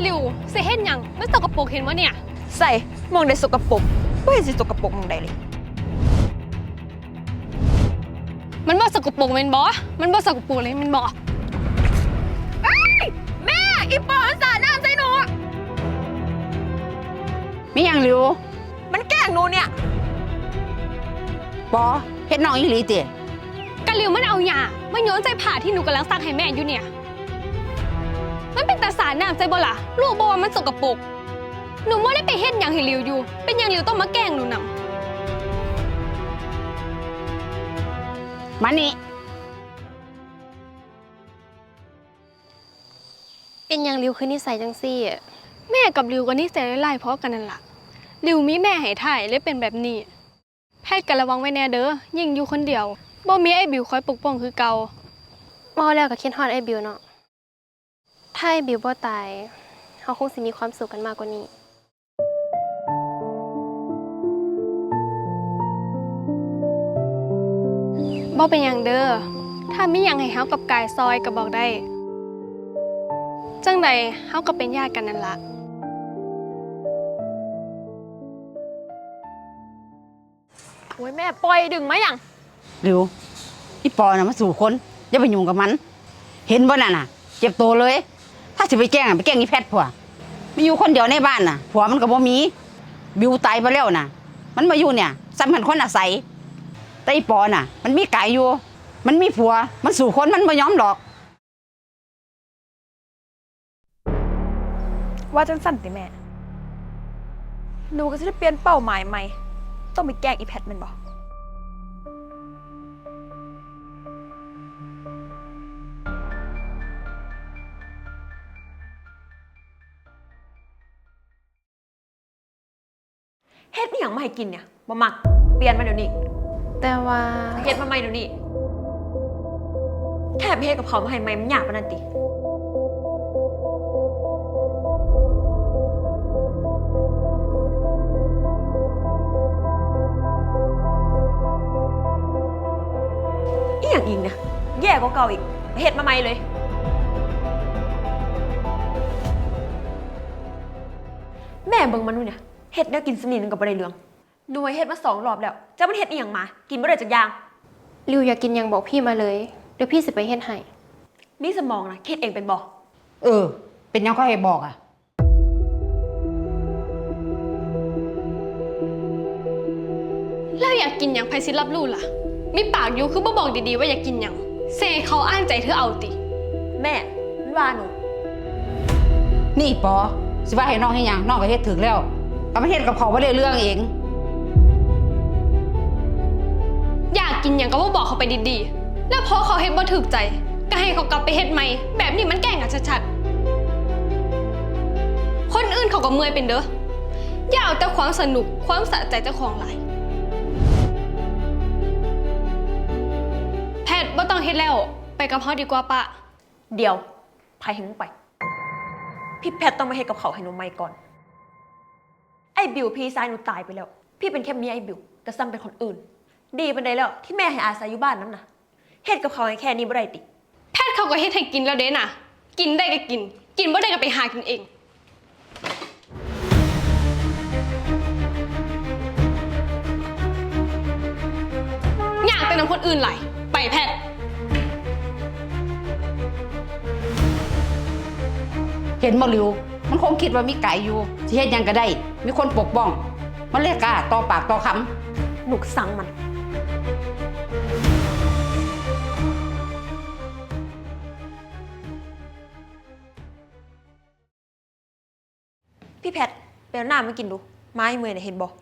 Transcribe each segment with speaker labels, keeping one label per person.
Speaker 1: ลิวเสียเห็นยังมันสกปรกเห็นวะเนี่ย
Speaker 2: ใส่มองได้สกปรกไม่เห็นสิสกปรกมองได้เลย
Speaker 1: มันบ่สกปรกแม่นบ่มันบ่สกปรกเลยมันบ่แม่อีปอนสาดน้ำใส่หนู
Speaker 3: มีหยังหลิว
Speaker 2: มันแกล้งหนูเนี่ย
Speaker 3: ปอเฮ็ดน้องอีหลีติ
Speaker 1: กะลิวมันเอาหยามันโยนใส่ผ้าที่หนูกำลังซักให้แม่อยู่เนี่ยมันเป็นตาสาดน้ำใส่บ่ล่ะลูกบ่ว่ามันสกปรกหนูบ่ได้ไปเฮ็ดหยังให้ลิวอยู่เป็นหยังลิวต้องมาแกล้งหนูนำ
Speaker 3: มานี่
Speaker 1: เป็นหยังลิวคือนิสัยจังซี่แม่กับลิวก็นิสัยไล่ๆเพราะกันนั่นล่ะลิวมีแม่ให้ถ่ายเลยเป็นแบบนี้แพทย์ก็ระวังไว้แน่เด้อยิ่งอยู่คนเดียวบ่มีไอ้บิวคอยปกป้องคือเก่าบ่แล้วก็คิดฮอดไอ้บิวเนาะถ้าไอ้บิวบ่ตายเฮาคงสิมีความสุขกันมากกว่านี้บ่เป็นหยังเด้อถ้ามีหยังให้เฮากับกายซอยก็บอกได้จังใดเฮาก็เป็นญาติกันนั่นล่ะโอ้ยแม่ปล่อยดึงมาหยัง
Speaker 3: หลิวอีปอน่ะมาสู่คนอย่าไปยุ่งกับมันเห็นบ่นั่นน่ะเจ็บตัวเลยถ้าสิไปแกล้งไปแกล้งอีแพทย์ผัวมีอยู่คนเดียวในบ้านน่ะผัวมันก็บ่มีบิวตายไปแล้วน่ะมันมาอยู่เนี่ยสำคัญคนอาศัยแต่อีปอน่ะมันมีกายอยู่มันมีผัวมันสู่คนมันบ่ยอมหรอก
Speaker 2: ว่าจังสั่นติแม่หนูก็จะได้เปลี่ยนเป้าหมายใหม่ต้องไปแกล้งอีแพทมันบ่เฮ็ดนี่อย่างมาให้กินเนี่ยบ่มักเปลี่ยนมาเดี๋ยวนี้
Speaker 1: แต่ว่า
Speaker 2: เฮ็ดมาใหม่เดี๋ยวนี้แค่ไปเฮ็ดกับเขามาให้ใหม่มันยากปานนั้นติอีหยังอีกเนี่ยแย่กว่าเก่าอีกเฮ็ดมาใหม่เลยแม่เบิ่งมันดูเนี่ยเฮ็ดแนวกินสนิทนึงกับบ่ได้เรื่องหน่วยเฮ็ดมา2 รอบแล้วเจ้ามันเฮ็ดอีหยังมากินบ่ได้จักอย่าง
Speaker 1: ลิวอยากกินยังบอกพี่มาเลยเดี๋ยวพี่สิไปเฮ็ดให้
Speaker 2: มีสมองนะคิดเองเป็นบ่
Speaker 3: เป็นยังก็ให้บอกอ่ะ
Speaker 1: แล้วอยากกินยังไผสิรับรู้ล่ะมีปากอยู่คือบ่บอกดีๆว่าอยากกินยังเซเขาอ้างใจเธอเอาติ
Speaker 2: แม่มันว่าหนู
Speaker 3: นี่ปอสิว่าให้น้องให้ยังน้องก็เฮ็ดถึงแล้วก็มาเฮ็ดกับเขาบ่ได้เรื่องเอง
Speaker 1: อยากกินยังก็บ่บอกเขาไปดีๆแล้วพอเขาเฮ็ดบ่ถูกใจก็ให้เขากลับไปเฮ็ดใหม่แบบนี้มันแกล้งกันชัดๆคนอื่นเขาก็เมื่อยเป็นเด้ออย่าเอาแต่ความสนุกความสะใจเจ้าของหลายแพทย์บ่ต้องเฮ็ดแล้วไปกับเฮาดีกว่าปะ
Speaker 2: เดี๋ยวไผให้มึงไปพี่แพทต้องมาเฮ็ดกับเขาให้หนูใหม่ก่อนไอ้บิวพี่ชายหนูตายไปแล้วพี่เป็นแค่เมียไอ้บิวก็ซ้ำเป็นคนอื่นดีปานใดแล้วที่แม่ให้อาศัยอยู่บ้านนั้นน่ะเฮ็ดกับเขาให้แค่นี้บ่ได้ติ
Speaker 1: แพทย์เขาก็เฮ็ดให้กินแล้วเด้น่ะกินได้ก็กินกินบ่ได้ก็ไปหากินเองอยากแต่นำคนอื่นไหลไปแพทย์
Speaker 3: เห็นบ่หลิวมันคงคิดว่ามีไก่อยู่สิเฮ็ดหยังก็ได้มีคนปกป้องมันเลยกล้าต่อปากต่อคำ
Speaker 2: หนูสั่งมันพี่แพทไปเอาน้ำมากินดูไม้เมื่อยเนี่ยเห็นบ่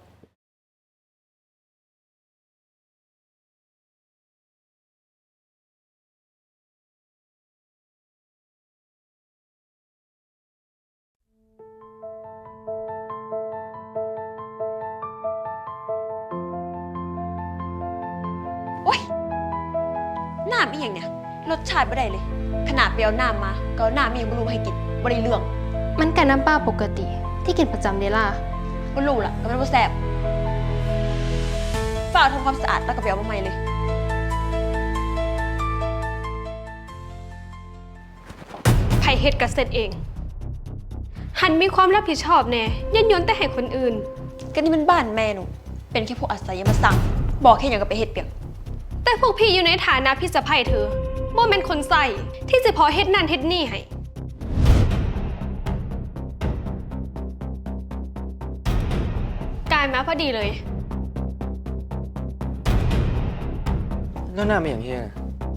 Speaker 2: โอ๊ยน้ำอีหยังเนี่ยรสชาติบ่ได้เลยขนาดไปเอาน้ำมาก็เอาน้ำมีหยังบ่รู้มาให้กินบ่ได้เรื่อง
Speaker 1: มันก็น้ำปลาปกติที่กินประจำเดล่ะ
Speaker 2: บ่รู้ล่ะก็มันบ่แซ่บฝากทำความสะอาดแล้วก็ไปเอามาใหม่เลย
Speaker 1: ไผเฮ็ดก็เสร็จเองหันมีความรับผิดชอบแน่ยันยนแต่ให้คนอื่น
Speaker 2: ก็นี่มันบ้านแม่หนูเป็นแค่พวกอาศัยอย่ามาสั่งบอกแค่อย่างกับไปเฮ็ดเปียก
Speaker 1: แต่พวกพี่อยู่ในฐานะพี่สะใภ้เธอบ่แม่นคนใส่ที่สิพอเฮ็ดนั่นเฮ็ดนี่ให้กายมาพอดีเลย
Speaker 4: แล้วหน้าไม่อย่างเฮีย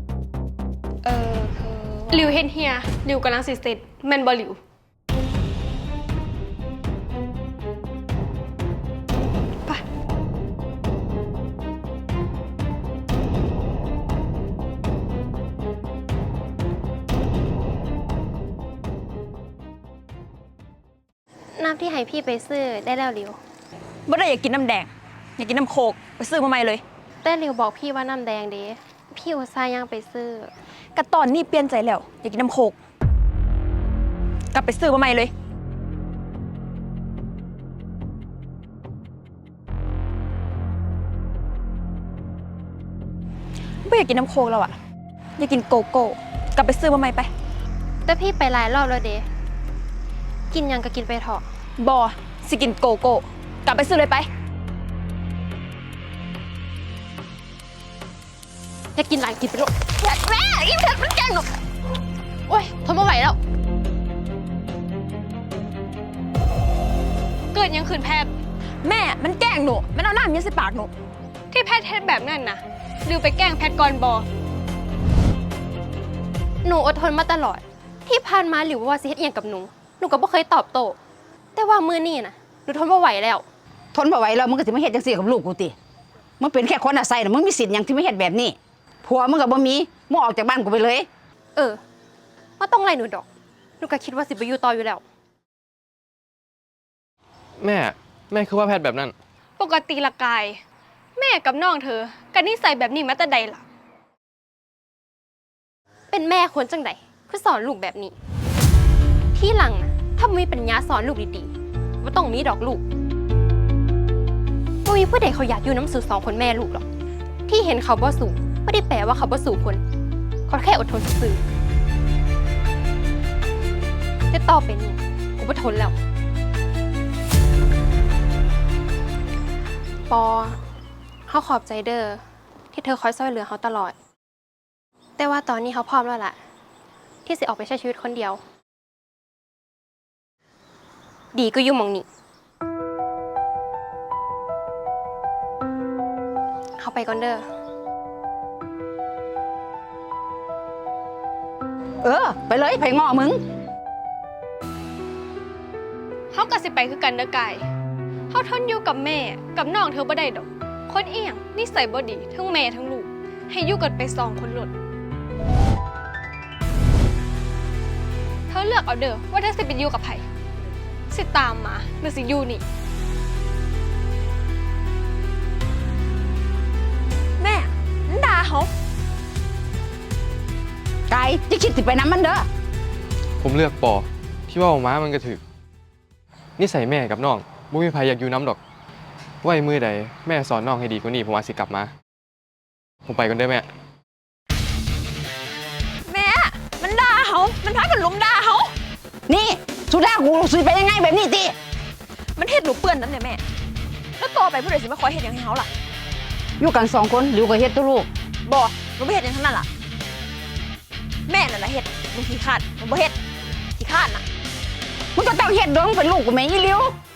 Speaker 2: คือ
Speaker 1: หลิวเฮ็ดเฮียหลิวกำลังสิเสร็จแม่นบ่หลิวไปน้ำที่ให้พี่ไปซื้อได้แล้วหลิว
Speaker 2: บ่ได้อยากกินน้ำแดงอยากกินน้ำโคกไปซื้อมาใหม่เลย
Speaker 1: แต่หลิวบอกพี่ว่าน้ำแดงเด้พี่อุตส่าห์ยังไปซื้อ
Speaker 2: กะตอนนี้เปลี่ยนใจแล้วอยากกินน้ำโคกกลับไปซื้อมาใหม่เลยไม่อยากกินน้ำโคกแล้วอะอยากกินโกโก้กลับไปซื้อมาใหม่ไป
Speaker 1: แต่พี่ไปหลายรอบแล้วเด้กินหยังก็กินไปเถอะ
Speaker 2: บอสิกินโกโก้กลับไปซื้อเลยไป
Speaker 1: อยากกินหลายกินไปโลดแม่อิ่มเผ็ดมันแกงหนูโอ๊ยทนไม่ไหวแล้ว เกิดยังขืนแพทย์
Speaker 2: แม่มันแกล้งหนูมันเอาหน้ามันยัดใส่ปากหนู
Speaker 1: ที่แพทย์เฮ็ดแบบนั้นนะลืมไปแกล้งแพทย์ก่อนบอหนูอดทนมาตลอด ที่ผ่านมาหรือว่าสิเฮ็ดอหย่างกับหนูก็บ่เคยตอบโต้แต่ว่ามื้อนี้นะหนูทนไม่ไหวแล้ว
Speaker 3: ทนบ่ไหวแล้วมึงก็สิมาเฮ็ดจังซี่กับลูกกูติมึงเป็นแค่คนอาศัยน่ะมึงมีสิทธิ์หยังที่ไม่เฮ็ดแบบนี้ผัวมึงก็บ่มีมึงออกจากบ้านกูไปเลย
Speaker 1: ว่าต้องไล่หนูดอกหนูก็คิดว่าสิไปอยู่ต่ออยู่แล้ว
Speaker 4: แม่คือว่าแพทย์แบบนั้น
Speaker 1: ปกติละกาย แม่กับน้องเธอกันนิสัยแบบนี้มาแต่ใดล่ะ เป็นแม่ควรจังใดคือสอนลูกแบบนี้ ที่หลังนะถ้ามีปัญญาสอนลูกดีๆว่าต้องมีดอกลูกบ่มีผู้ใดเขาอยากอยู่น้ำสู่สองคนแม่ลูกหรอกที่เห็นเขาบ่สู่ไม่ได้แปลว่าเขาบ่สู่คนเขาแค่อดทนซื่อๆแต่ต่อไปนี้กูบ่ทนแล้วปอเขาขอบใจเด้อที่เธอคอยช่วยเหลือเขาตลอด แต่ว่าตอนนี้เขาพร้อมแล้วล่ะ ที่สิออกไปใช้ชีวิตคนเดียว ดีก็อยู่หมองนี้เขาไปก่อนเด้อ
Speaker 3: ไปเลยไผง้อมึง
Speaker 1: เขาก็สิไปคือกันเด้อกายเขาทนอยู่กับแม่กับน้องเธอบ่ได้ดอก คนเอียงนิสัยบ่ดีทั้งแม่ทั้งลูก ให้อยู่กันไปสองคนหลดเธอเลือกเอาเด้อว่าเธอสิไปอยู่กับไผสิตามมาหรือสิอยู่นี่
Speaker 2: แม่มันด่าเขา
Speaker 3: กายจะคิดสิไปน้ำมันเด้อ
Speaker 4: ผมเลือกปอที่ว่าออกมามันกระถึกนิสัยแม่กับน้องบ่มีใครอยากอยู่น้ำดอกไว้มือใดแม่สอนน้องให้ดีกว่านี้ผมอาจสิกลับมา ผมไปกันเด้อแม่
Speaker 2: แม่มันด่าเขามันพากันลุมด่าเขา
Speaker 3: นี่สุดากูสิไปยังไงแบบนี้ติ
Speaker 2: มันเฮ็ดหนูเปื้อนนั่นเนี่ยแม่แล้วต่อไปผู้ใดสิมาคอยเฮ็ดหยังให้เขาล่ะ
Speaker 3: อยู่กัน2คนหลิวก็เฮ็ดตัวลูก
Speaker 2: บอหนูไม่เฮ็ดหยังทั้งนั้นล่ะแม่นั่นแหละเฮ็ดหนูขี้คร้านหนูบ่เฮ็ดขี้คร้านน่ะ
Speaker 3: มึงก็ต้องเฮ็ดเด้อมึงเป็นลูกกูแม่อีหลิว